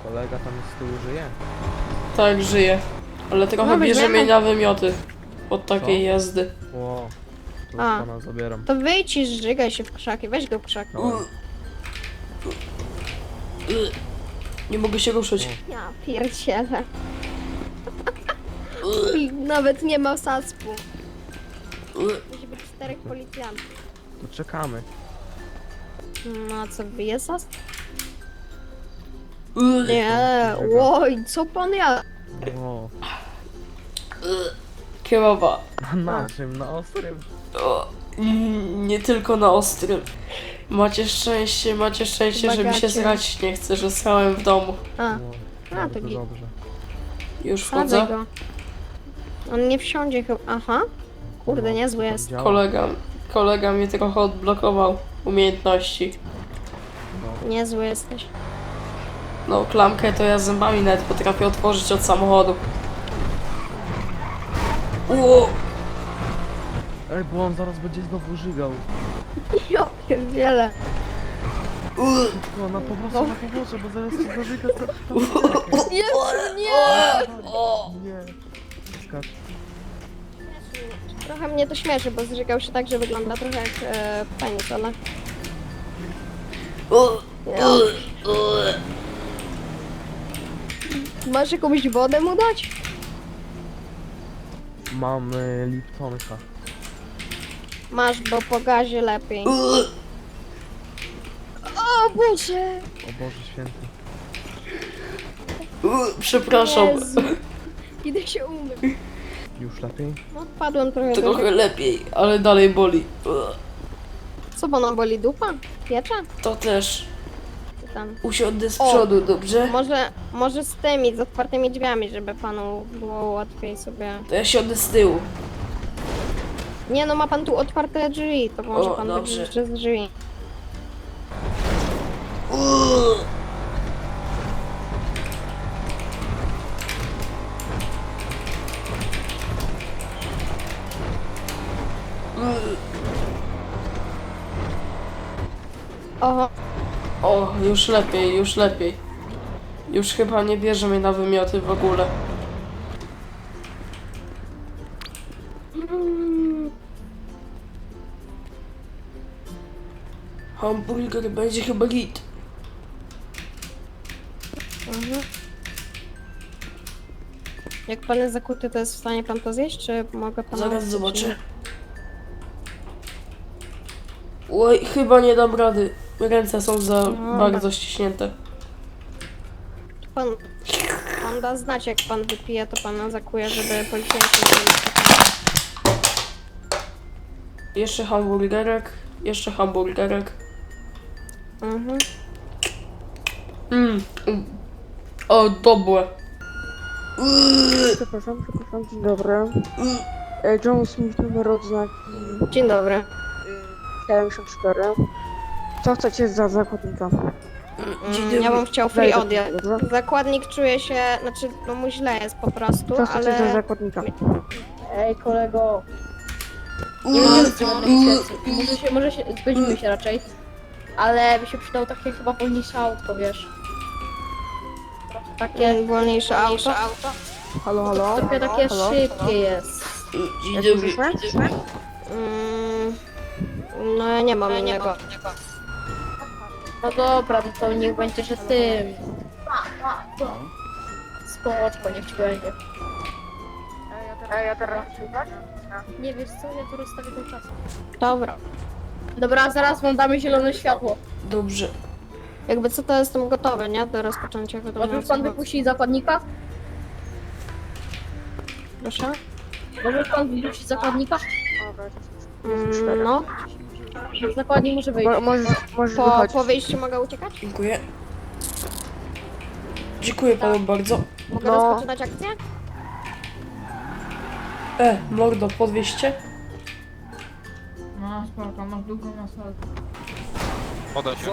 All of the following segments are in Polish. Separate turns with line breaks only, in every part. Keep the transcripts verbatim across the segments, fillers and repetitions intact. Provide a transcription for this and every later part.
Kolega tam z tyłu żyje?
Tak, żyje. Ale trochę
No,
bierze
weźmiemy.
mnie na wymioty. Od takiej
Co?
jazdy.
Ło, to
A.
pana zabieram.
To wyjdź i zżygaj się w krzaki, weź go w krzaki.
No.
Nie mogę się ruszyć.
Ja pierdzielę. I nawet nie ma saspu. Musi być czterech policjantów.
To czekamy.
No a co, bije sasp?
Nie.
Nie, oj, co pan ja?
O,
Kierowa.
a na czym? Na ostrym?
O, mm, nie tylko na ostrym. Macie szczęście, macie szczęście, że mi się
Bagacie.
srać nie chce, że srałem w domu.
A,
O,
A,
bardzo
to git.
dobrze.
Już
sadzę
wchodzę.
go. On nie wsiądzie chyba. Aha. Kurde,
No,
niezły
to tak
jest.
działa.
Kolega, kolega mnie trochę odblokował umiejętności.
No.
Niezły jesteś.
No, klamkę to ja zębami nawet potrafię otworzyć od samochodu. Ło!
Ej, bo on zaraz będzie znowu żygał.
Ja pierdzielę.
Tylko na pomocy, na pomocy, bo zaraz się zażyga. co-
Jezu, nie!
Nie. Skacz.
Trochę mnie to śmieszy, bo zżygał się tak, że wygląda trochę jak e, penis, ale... Ja. Masz jakąś wodę mu dać?
Mamy Liptonka.
Masz, bo po gazie lepiej. O Boże!
O Boże święty.
Przepraszam.
Jezu. Idę się umyć.
Już lepiej?
No, padłem trochę do...
Trochę lepiej, ale dalej boli.
Co, bo nam boli dupa? Piecze?
To też.
Czy tam?
Usiądę z
O.
przodu, dobrze?
Może, może z tymi, z otwartymi drzwiami, żeby panu było łatwiej sobie...
To ja siądę z tyłu.
Nie no, ma pan tu otwarte drzwi, to może
O,
pan
dobrze.
będzie jeszcze z drzwi. Oho,
O, już lepiej, już lepiej. Już chyba nie bierze mnie na wymioty w ogóle. Hamburger będzie chyba git.
mhm. Jak pan jest zakuty, to jest w stanie pan to zjeść, czy mogę pana...
Zaraz zobaczę. Oj, chyba nie dam rady. Ręce są za
No,
bardzo ściśnięte.
Pan, pan da znać, jak pan wypije, to pana zakuje, żeby policjanci nie byli.
Jeszcze hamburgerek, jeszcze hamburgerek.
Mhm.
Mmm. O, dobre.
Przepraszam, przepraszam, dzień dobry. E, John Smith, numer odznaki
Dzień dobry.
siedemdziesiąt cztery. Co chcecie za zakładnika?
Dzień
Mm, ja bym chciał free
Wejdę,
odjazd.
dobrze?
Zakładnik czuje się, znaczy, no mu źle jest po prostu,
Co chcecie za
ale...
zakładnika?
Ej, kolego. Nie będziemy strzelać Może się, może się, zgodzimy się raczej. Ale by się przydało takie chyba wolniejsze autko, wiesz. Takie,
Mm, wolniejsze auto.
Halo, halo?
trochę takie
Halo?
szybkie jest.
Dzień
Jak
dobry.
słyszysz?
Mm, no ja nie mam innego.
No dobra, no to niech będzie, że tym. Spoczko, niech ci będzie.
A ja teraz
Nie wiesz co, ja tu rozstawię ten czas.
Dobra.
Dobra, zaraz wam damy zielone światło.
Dobrze.
Jakby co, to jestem gotowy, nie? Do rozpoczęcia
Może
wiadomo.
już pan wypuścić zakładnika?
Proszę?
Może już pan wypuścić zakładnika?
Mm, no.
Zakładnik może wyjść.
Mo- Możesz, możesz
Po,
wychodzić.
po wyjściu mogę uciekać?
Dziękuję. Dziękuję panu bardzo.
Mogę
No.
rozpoczynać akcję?
E, mordo, podwieźcie?
No spoko, masz długą na salę.
Podaj się.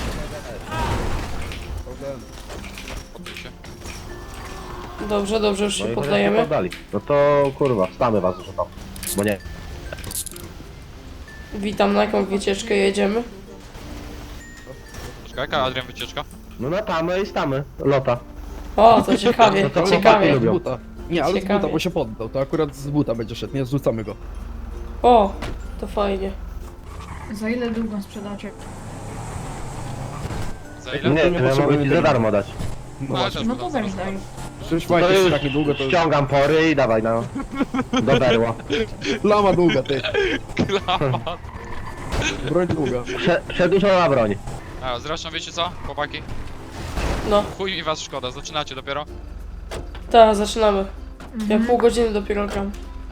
Podaj się.
Dobrze, dobrze, już
No
się
i chociaż nie
poddajemy.
poddali. No to kurwa, wstamy was, że tam. Bo nie.
Witam, na jaką wycieczkę jedziemy?
Czekaj, jaka Adrian wycieczka?
No na tamę i stamy. Lota.
O, to ciekawie,
No to
to
chłopaki
ciekawie.
lubią.
Z buta. Nie, ale z
Ciekawie.
buta, bo się poddał. To akurat z buta będzie szedł, nie zrzucamy go.
O, to fajnie.
Za ile długą sprzedacie?
Za ile?
Nie,
nie
to ja mogę
potrzebujemy
ci za
tego.
darmo dać.
No
Ale
właśnie.
też
No
będą
to weź
zaraz.
daj.
Przecież
To
fajnie, jest
już
takie długo, to
ściągam pory i dawaj no. Do berła.
lama długa, ty. Broń długa.
Prze przedłużona broń.
A, zresztą wiecie co, chłopaki?
No,
Chuj mi was szkoda, zaczynacie dopiero.
tak, zaczynamy. Ja pół godziny dopiero gram.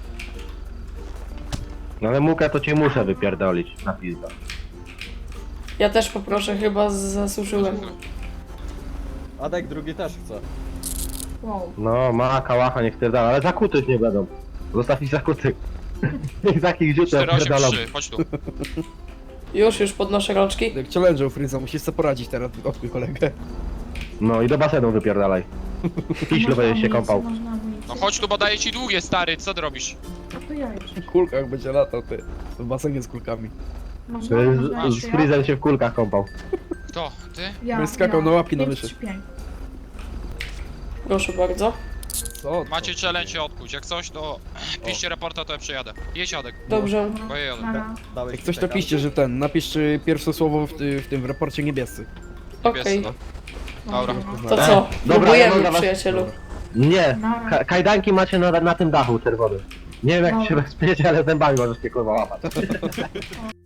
No ale mukę to cię muszę wypierdolić na pizdę.
Ja też poproszę, chyba zasłużyłem.
Adek drugi też chce.
Wow.
No, ma kałacha, niech pierdala, ale zakutych nie będą. Zostaw ich zakutych. Niech takich dziutę
cztery osiem
pierdolą.
trzy, chodź tu.
Już, już podnoszę rączki.
Jak challenge'ą Freeza, musisz sobie poradzić teraz, odkuj kolegę.
No i do basenu wypierdalaj. Piślu będziesz się kąpał.
Można amunicję.
No chodź tu, bo daję ci długie, stary, co ty robisz?
A to ja już.
W kulkach będzie latał, ty. W basenie z kulkami.
Można, można
Z, z
jeszcze ja?
Freezem się w kulkach kąpał.
Kto? Ty?
Ja,
Będę skakał na łapki na
pięć,
myszy.
trzy, pięć.
Proszę bardzo.
Co? to?
Macie challenge odkuć, jak coś to piszcie raporta, to ja przejadę. Jedź Adek,
Dobrze.
Dobra,
bo ja jadę.
nara.
Dałeś
Jak coś to
czeka.
piszcie, że ten, napisz y, pierwsze słowo w, ty, w tym w raporcie niebiescy.
Okej.
no. Dobra.
To co?
Dobra, ja
Próbujemy,
mam dla was-
przyjacielu.
Nie,
Nara.
ka kajdanki macie na, na tym dachu czerwonym. Nie wiem jak
Dobra.
się bezpiecie, ale zębami możesz się kurwa łapać.